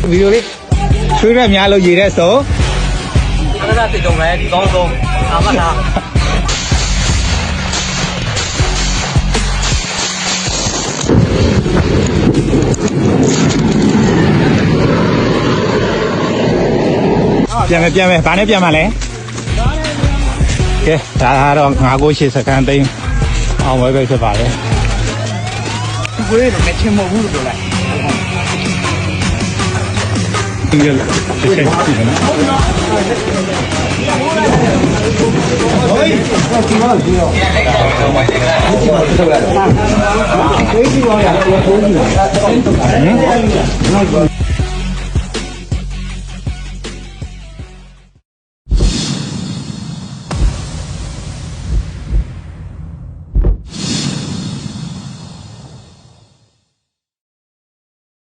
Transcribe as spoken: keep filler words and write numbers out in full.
ဗီဒီယိုလေးချွေးရက်များလို့ရေတဲ့ဆိုအဲ့ဒါတိတ်တုံးပဲဒီကောင်းဆုံးအာမလားပြန်မယ်ပြန်မယ်ဘာနဲ့ပြန်မှာလဲကဲဒါကတော့ငါးကိုရှစ်စကန်သိန်းအောင်ဝဲပဲဖြစ်ပါလေဒီကွေးတော့မချင်းမဟုတ်ဘူးလို့ပြောလိုက်ဒီလိုတစ်ချက်ကြည့်နော်ဟိုးဒီမှာကြည့်ရောထုတ်လိုက်တာဟေးဒီရောရတော့ဘုန်းကြီးလားဟင်